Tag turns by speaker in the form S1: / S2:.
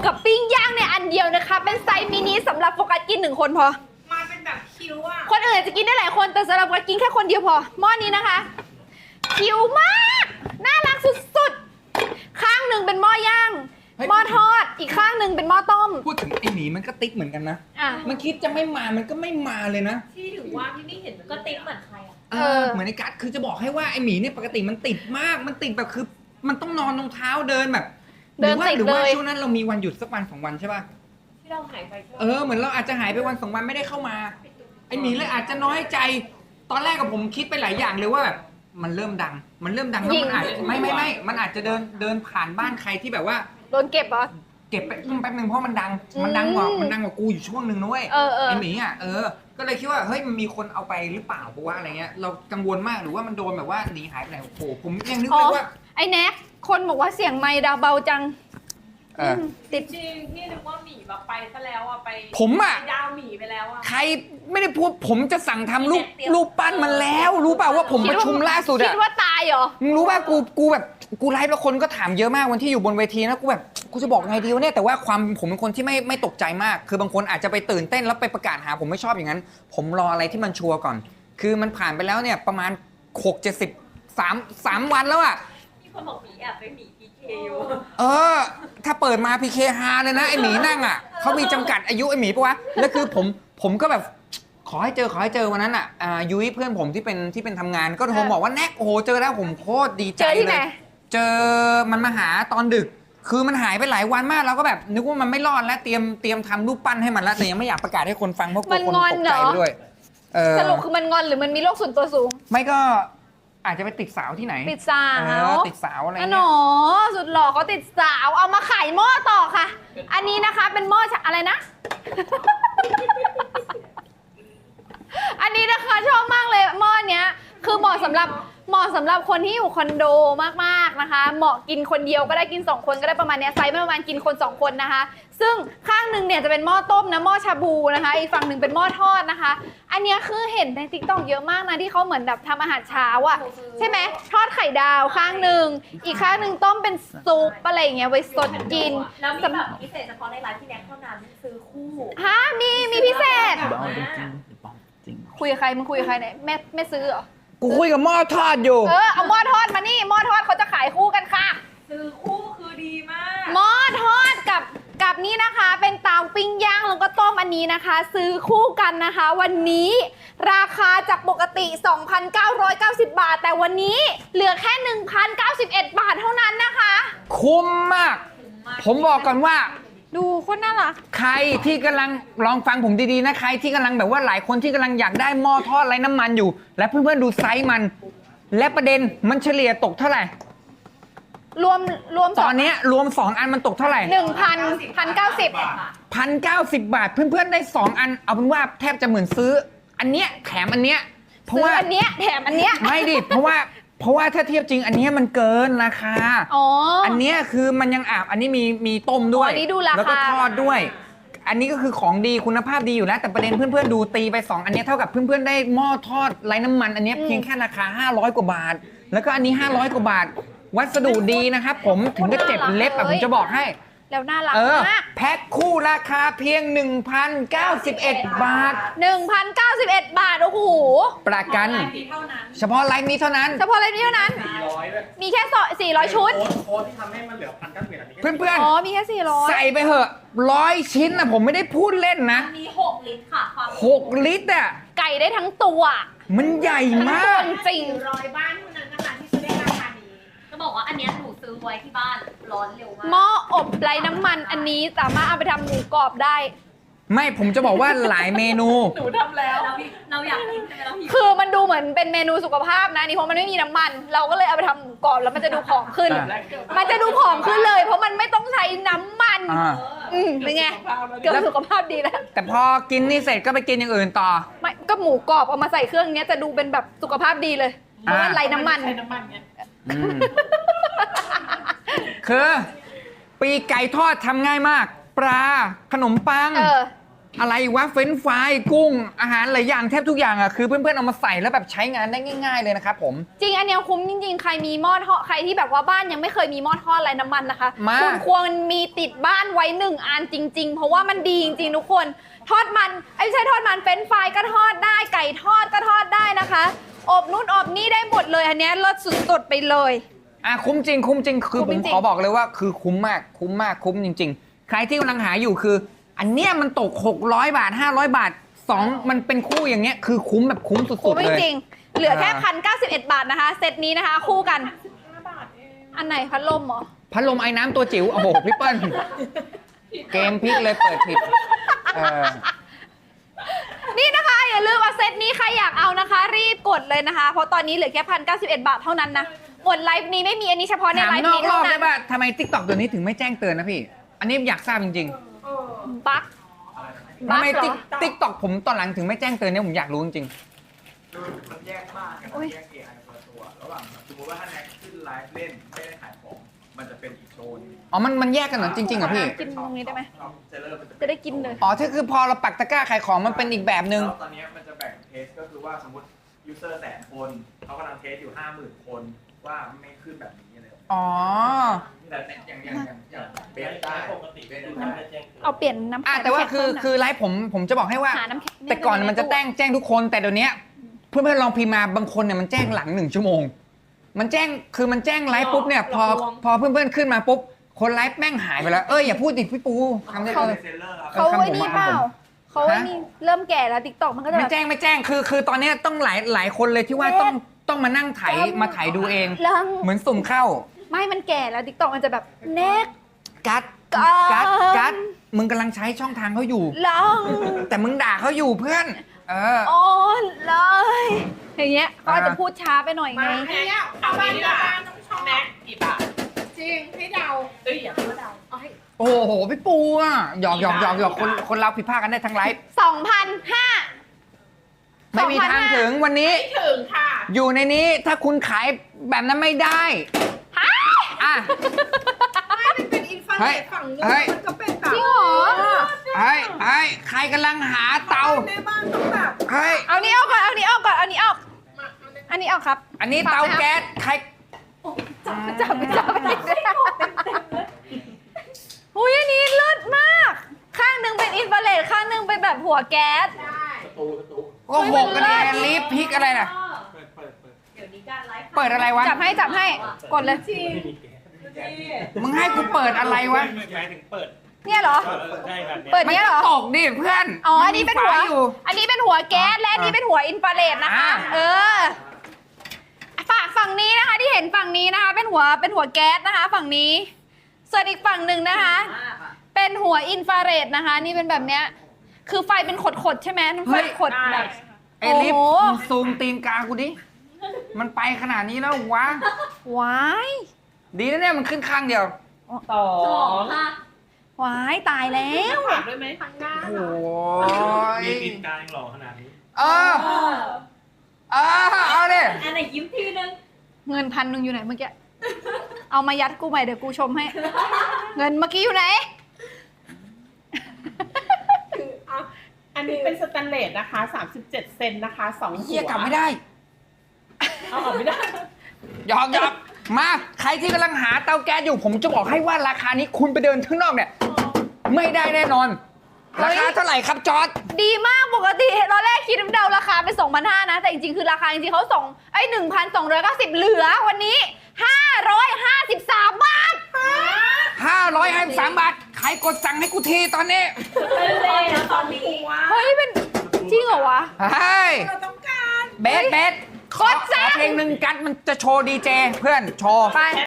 S1: กับปิ้งย่างในอันเดียวนะคะเป็นไซส์มินิสำหรับโฟกัสกิน1 คนพอ
S2: มาเป็นแบบคิ้วอ่ะ
S1: คนอื่นจะกินได้หลายคนแต่สำหรับโฟกัสกินแค่คนเดียวพอหม้อนี้นะคะคิ้วมากน่ารักสุดๆข้างหนึ่งเป็นหม้อย่างหม้อทอดอีกข้างหนึ่งเป็นหม้อต้ม
S3: พูดถึงไอหมีมันก็ติ๊กเหมือนกันนะ
S1: อ่ะ
S3: มันคิดจะไม่มามันก็ไม่มาเลยนะ
S2: ที่ถือว่าพี่ไม่เห็นก็ติ๊กเหมือนใครอ่ะ
S3: เหมือนไอ้กัสคือจะบอกให้ว่าไอหมีเนี่ยปกติมันติดมากมันติดแบบคือมันต้องนอนรองเท้าเดินแบบหรือว่าช่วงนั้นเรามีวันหยุดสักวัน2 วันใช่ป่ะ
S2: ที่เราหายไป
S3: เหมือนเราอาจจะหายไปวัน2 วันไม่ได้เข้ามาไอหมีเลยอาจจะน้อยใจตอนแรกกับผมคิดไปหลายอย่างเลยว่าแบบมันเริ่มดังแล้วมันอาจไม่มันอาจจะเดินผ่านบ้านใครที่แบบว่า
S1: โดนเก็บเหรอ
S3: เก็บไปแป๊บนึงเพราะมันดังกว่ากูอยู่ช่วงนึงนะเว้ยไอหมีอ่ะก็เลยคิดว่าเฮ้ยมันมีคนเอาไปหรือเปล่าเพราะว่าอะไรเงี้ยเรากังวลมากหรือว่ามันโดนแบบว่าหนีหายไปไหนโอ้โหผมยังนึกเลยว่า
S1: ไอ้แน็กคนบอกว่าเสียงไมค์ดาวเบาจัง
S2: ติดจริงพี่นึกว่าหมีแบบไปซะแล้วอ่ะไป
S3: ผมอ่ะ
S2: ดาวหมีไปแล้วอ่ะ
S3: ใครไม่ได้พูดผมจะสั่งทำรูปปั้นมันแล้วรู้เปล่าว่าผมประชุมล่าสุดอะ
S1: คิดว่าตายเหรอ
S3: มึงรู้ป่ะกูแบบกูไลฟ์แล้วคนก็ถามเยอะมากวันที่อยู่บนเวทีนะกูแบบกูจะบอกไงดีวะเนี่ยแต่ว่าความผมเป็นคนที่ไม่ตกใจมากคือบางคนอาจจะไปตื่นเต้นแล้วไปประกาศหาผมไม่ชอบอย่างนั้นผมรออะไรที่มันชัวร์ก่อนคือมันผ่านไปแล้วเนี่ยประมาณ3 วันแล้วอะ
S2: มีคนบอกหมีแอบไปหมีพีเคอยู่
S3: ถ้าเปิดมาพีเคฮาเลยนะไอหมีนั่งอะเขามีจำกัดอายุไอหมีปะวะแล้วคือผมก็แบบขอให้เจอวันนั้นอ่ะยุ้ยเพื่อนผมที่เป็นทำงานก็โทรบอกว่าแน็กโอ้โหเจอแล้วผมโคตรดีใจเลยเจอมันมาหาตอนดึกคือมันหายไปหลายวันมากเราก็แบบนึกว่ามันไม่รอดแล้วเตรียมทำรูปปั้นให้มันแล้วแต่ยังไม่อยากประกาศให้คนฟังเพราะกลัวคนตกใจด้วย
S1: สรุปคือมันงอนหรือมันมีโรคส่วนตัวสูง
S3: ไม่ก็อาจจะไปติดสาวที่ไหน
S1: ติดสาว
S3: ติดสาวอะไรเงี้
S1: ยสุดหล่อเขาติดสาวเอามาขายหม้อต่อค่ะอันนี้นะคะเป็นหม้ออะไรนะอันนี้นะคะชอบมากเลยหม้อเนี้ยคือเหมาะสำหรับคนที่อยู่คอนโดมากๆนะคะเหมาะกินคนเดียวก็ได้กิน2 คนก็ได้ประมาณนี้ไซส์ประมาณกินคน2 คนนะคะซึ่งข้างหนึ่งเนี่ยจะเป็นหม้อต้มนะหม้อชาบูนะคะอีกฝั่งหนึ่งเป็นหม้อทอดนะคะอันนี้คือเห็นใน TikTok เยอะมากนะที่เขาเหมือนแบบทำอาหารเช้าอ่ะใช่ไหมทอดไข่ดาวข้างหนึ่งอีกข้างหนึ่งต้มเป็นซุปอะไรอย่างเงี้ยไว้สดกิน
S2: แล้วมีแบบพิเศษเฉพาะในร้านที่แน็กเท่านั้นซื้อคู่
S1: ฮะมีพิเศษคุยกับใครมึงคุยกับใครเนี่ยแม่ซื้อเหรอ
S3: กูคุยกับหม้อทอดอยู่
S1: เอาหม้อทอดมานี่หม้อทอดเขาจะขายคู่กันค่ะ
S2: ซื้อคู่คือดีมาก
S1: หม้อทอดกับนี่นะคะเป็นเตาปิ้งย่างแล้วก็ต้มอันนี้นะคะ ซื้อคู่กันนะคะวันนี้ราคาจากปกติ 2,990 บาทแต่วันนี้เหลือแค่ 1,091 บาทเท่านั้นนะคะ
S3: คุ้มมากผมบอกก่อนว่า
S1: ดูโคตรน่ารัก
S3: ใครที่กำลังลองฟังผมดีๆนะใครที่กำลังแบบว่าหลายคนที่กำลังอยากได้หม้อทอดไร้น้ำมันอยู่และเพื่อนๆดูไซส์มันและประเด็นมันเฉลี่ยตกเท่าไหร่
S1: รวม
S3: ตอนนี้รวม2 อันมันตกเท่าไหร่
S1: 1,090
S3: บาทเพื่อนๆได้2 อันเอาเป็นว่าแทบจะเหมือนซื้ออันเนี้ยแถมอันเนี้ยเพราะว่า
S1: อันเนี้ยแถมอันเนี้ย
S3: ไม่ดิเพราะว่าถ้าเทียบจริงอันนี้มันเกินราคาอันนี้คือมันยังอาบอันนี้มีต้มด้วยแล้วก็ทอดด้วยอันนี้ก็คือของดีคุณภาพดีอยู่แล้วแต่ประเด็นเพื่อนๆดูตีไป2 อันนี้เท่ากับเพื่อนๆได้หม้อทอดไร้น้ำมันอันนี้เพียงแค่ราคา500 กว่าบาทแล้วก็อันนี้500 กว่าบาทวัสดุดีนะครับผมถึงจะเจ็บเล็บผมจะบอกให้
S1: แล้วน่ารักมาก
S3: แพ็คคู่ราคาเพียง 1,091 บาท
S1: 1,091 บาทโอ้โห
S3: ประกันเฉพาะไลฟ์นี้เท่านั้น
S1: มีแค่400 ชุด
S4: โค้ดที่ทำให้มันเหลือ1,091
S3: เพื่อน
S1: มีแค่400
S3: ใส่ไปเหอะ100 ชิ้นนะผมไม่ได้พูดเล่นนะ
S2: มี6 ลิตรค่ะ
S3: 6 ลิตรอ่ะ
S1: ไก่ได้ทั้งตัว
S3: มันใหญ่มาก
S1: จริง
S2: 100 บ้านเท่านั้นนะคะที่จะได้ราคานี้จะบอกว่าอันนี้หนูซื้อไว้ที่บ้านร้อนเร็วมาก
S1: หม้ออบไร้น้ำมันอันนี้สามารถเอาไปทำหมูกรอบได้
S3: ไม่ผมจะบอกว่าหลายเมนู
S2: หนูทำแล้วเราอยากกินใช่ไหมเราหิว
S1: คือมันดูเหมือนเป็นเมนูสุขภาพนะนี่เพราะมันไม่มีน้ำมันเราก็เลยเอาไปทำหมูกรอบแล้วมันจะดูผอมขึ้นเลยเพราะมันไม่ต้องใช้น้ำมันเป็นไงเกือบสุขภาพดีแล้ว
S3: แต่พอกินนี่เสร็จก็ไปกินอย่างอื่นต่อ
S1: ไม่ก็หมูกรอบเอามาใส่เครื่องนี้จะดูเป็นแบบสุขภาพดีเลยเพราะมันไร้น้ำมัน
S3: คือปีกไก่ทอดทำง่ายมากปลาขนมปังอะไรวะเฟรนช์ฟรายกุ้งอาหารหลายอย่างแทบทุกอย่างอ่ะคือเพื่อนๆเอามาใส่แล้วแบบใช้งานได้ง่ายๆเลยนะครับผม
S1: จริงอันเนี้ยคุ้มจริงๆ ใครมีหม้อทอดใครที่แบบว่าบ้านยังไม่เคยมีหม้อทอดไร้น้ำมันนะคะ
S3: มา
S1: คุณควรมีติดบ้านไว้1 อันจริง ๆ เพราะว่ามันดีจริงๆทุกคนทอดมันไม่ใช่ทอดมันเฟรนช์ฟรายก็ทอดได้ไก่ทอดก็ทอดได้นะคะอบนู่นอบนี่ได้หมดเลยอันเนี้ยรสสุดๆไปเลย
S3: คุ้มจริงคุ้มจริงคือ
S1: คุ้
S3: ผม ม
S1: จริง
S3: ขอบอกเลยว่าคือคุ้มมากคุ้มจริง ๆ ใครที่กำลังหาอยู่คือ อันเนี้ยมันตก600 บาท500 บาท2มันเป็นคู่อย่างเงี้ยคือคุ้มแบบคุ้มสุ
S1: คุ้
S3: ด
S1: ม
S3: ๆเลย
S1: จริงๆเหลือแค่1,091 บาทนะคะเซตนี้นะคะ คู่กัน อันไหนพัดลมเหรอ
S3: พัดลมไอ้น้ำตัวจิ๋วโอ้โหพี่เปิ้ลเกมพลิกเลยเปิดผิด
S1: นี่นะคะอย่าลืมว่าเซตนี้ใครอยากเอานะคะ รีบกดเลยนะคะ เพราะตอนนี้เหลือแค่1,091 บาทเท่านั้นนะหมดไลฟ์นี้ไม่มีอันนี้เฉพาะใน
S3: ถาม
S1: ไลฟ์
S3: นอก
S1: นี้
S3: รอ
S1: เท่า
S3: บ
S1: นั้
S3: ได้
S1: น
S3: ป่ะทำไม TikTok ตัวนี้ถึงไม่แจ้งเตือนนะพี่ อันนี้อยากทราบจริง
S1: บั๊ก
S3: ๆทำไม TikTok ผมตอนหลังถึงไม่แจ้งเตือนเนี่ยผมอยากรู้จริง
S4: คือมันแยกมากกันแยก AI คนละตัวระหว่างสมมติว่าถ้าแน็กขึ้นไลฟ์เล่นไม่ได้ขายของมันจะเป็นอีกโชว์นึง
S3: ๆอ๋อมันแยกกันเหรอจริงๆเหรอพี่
S1: กินตรงนี้ได้ไหม
S4: เซลเลอร์มัน
S1: จะได้กินเลย
S3: อ๋อที่คือพอเราปักตะกร้าขายของมันเป็นอีกแบบนึง
S4: ตอนนี้มันจะแบ่งเทสก็คือว่าสมมติยูเซอร์100,000 คนเขากำลังเทสอยู่ 50,000 คนว่าไม่ขึ้นแบบนี้เลย
S3: อ๋อ
S4: แต่อย่างเบสได้ปกติเบสได้
S1: เอาเปลี่ยนน้ำแข็ง
S3: แต่ว่าคือไลฟ์ผมจะบอกให้ว่า
S1: หาน้ำแข็ง
S3: แต่ก่อนมันจะแจ้งทุกคน แต่เดี๋ยวนี้เพื่อนๆลองพิมพ์มาบางคนเนี่ยมันแจ้งหลัง1 ชั่วโมง มันแจ้งไลฟ์ปุ๊บเนี่ยพอเพื่อนๆขึ้นมาปุ๊บคนไลฟ์แม่งหายไปแล้วอย่าพูดดิพี่ปูทำได้
S4: เขาเป็นเซลเลอร์ครับ
S1: เขาไว้นี่เปล่าเขาไว้นี่เริ่มแก่แล้วติ๊กต็อกมันก็จะ
S3: ไม่
S1: แบบ
S3: แจ้งคือตอนนี้ต้องหลายคนเลยที่ว่าต้องมานั่งไถมาไถดูเอง
S1: เริ่ม
S3: เหมือนสุ่มเข้า
S1: ไม่มันแก่แล้วติ๊กต็อกมันจะแบบเน็ก
S3: กัดมึงกำลังใช้ช่องทางเขาอยู่
S1: ลอง
S3: แต่มึงด่าเขาอยู่เพื่อน
S1: โอ้เลยอย่างเงี้ยเขาอาจจะพูดช้าไปหน่อยไง
S5: เอาไปดีกว่าแม็กกี่บาทจริงให้เดาอย่าพูดเดาเอาให้
S3: โอ้โหพี่ปูอ่ะหยอกคนเราผิดพลาดกันได้ทั้งไลฟ์
S1: 2,500
S3: ไม่มีทางถึงวันนี้
S5: ไม่ถึงค่ะ
S3: อยู่ในนี้ถ้าคุณขายแบบนั้นไม่ได้อ่ะ
S5: ไม่มันเป็นอินฟราเรดฝั่งนู้น
S3: เฮ้ย
S5: มันก็เป็นแบบ
S1: จริงเหรอ
S3: เฮ้ยใครกำลังหาเตา
S5: ในบ้านต้องแบบ
S3: เฮ้ย
S1: เอานี้ออกก่อนเอานี้ออกก่อนเอานี้ออก
S5: มาเอาใน
S1: อันนี้ออกครับ
S3: อันนี้เตาแก๊สใคร
S1: จับอุ้ยอันนี้เลิศมาก ข้างหนึ่งเป็นอินฟราเรดข้างหนึ่งเป็นแบบหัวแก๊ส
S5: ได้
S3: ก็หกกันแอนลิฟพริกอะไรน่ะ
S2: เดี๋ยวนี้การไลฟ์
S3: เปิดอะไรวะ
S1: จับให้กดเลย
S3: มึงให้กูเปิดอะไรวะ
S4: หมายถึงเปิด
S1: เนี่ยเหรอ
S4: ใช่แบบนี้
S1: เปิด
S3: มัน
S1: เนี้ย
S3: ก็
S1: เหรอ
S3: ตกดิเพื่อน
S1: อ๋ออันนี้เป็นหัว
S3: มัมีฝาอยู่
S1: อันนี้เป็นหัวแก๊สและอันนี้เป็นหัวอินฟราเรดนะคะ ฝั่งนี้นะคะที่เห็นฝั่งนี้นะคะ เป็นหัวแก๊สนะคะ ฝั่งนี้ ส่วนอีกฝั่งหนึ่งนะคะ เป็นหัวอินฟราเรดนะคะ นี่เป็นแบบเนี้ย คือไฟเป็นขดๆใช่ไหมไฟขดแบบ
S3: ไอ้ลิฟ
S1: โอ้โห
S3: มึงซูมตีนกากูดิ มันไปขนาดนี้แล้ววะ
S1: ว้าย
S3: ดีนะเนี่ยมันขึ้นข้างเดียว
S5: สอ
S2: สอง
S5: ง
S2: ค่ะ
S1: ว้ายตายแล้ว
S5: ถามด้วยไหมทางหน้า
S3: โอ้ย
S4: มีปิดกลางหล่อขนาดนี้
S3: เออเอาดิ
S2: อันไหนยิ้มทีนึง
S1: เงิน1,000อยู่ไหนเมื่อกี้ เอามายัดกูใหม่เดี๋ยวกูชมให้ เงินเมื่อกี้อยู่ไหน
S5: คืออ่ะอันนี้เป็นสแตนเลสนะคะ37 เซนนะคะ2หัว
S3: เฮียกลับไม่ได้
S5: เอาออกไม่ได้
S3: หยอกมาใครที่กำลังหาเตาแก๊สอยู่ผมจะบอกให้ว่าราคานี้คุณไปเดินข้างนอกเนี่ย ไม่ได้แน่นอน ราคาเท่าไหร่ครับจอร์ด
S1: ดีมากปกติตอนแรกคิดเดาราคาเป็น 2,500 นะ แต่จริงๆ คือราคาจริงๆเขาส่ง1,290 เหลือวันนี้ 553 บาท
S3: 553 บาท ใครกดสั่งให้กูทีตอนนี้
S2: เลยนะตอนนี้
S1: เฮ้ย เป็นจริงเหรอวะ
S3: เฮ้ย
S5: เราต้องการ
S3: เบสขอเพลงหนึ่งกัดมันจะโชว์ดีเจเพื่อนโชว์
S1: ไป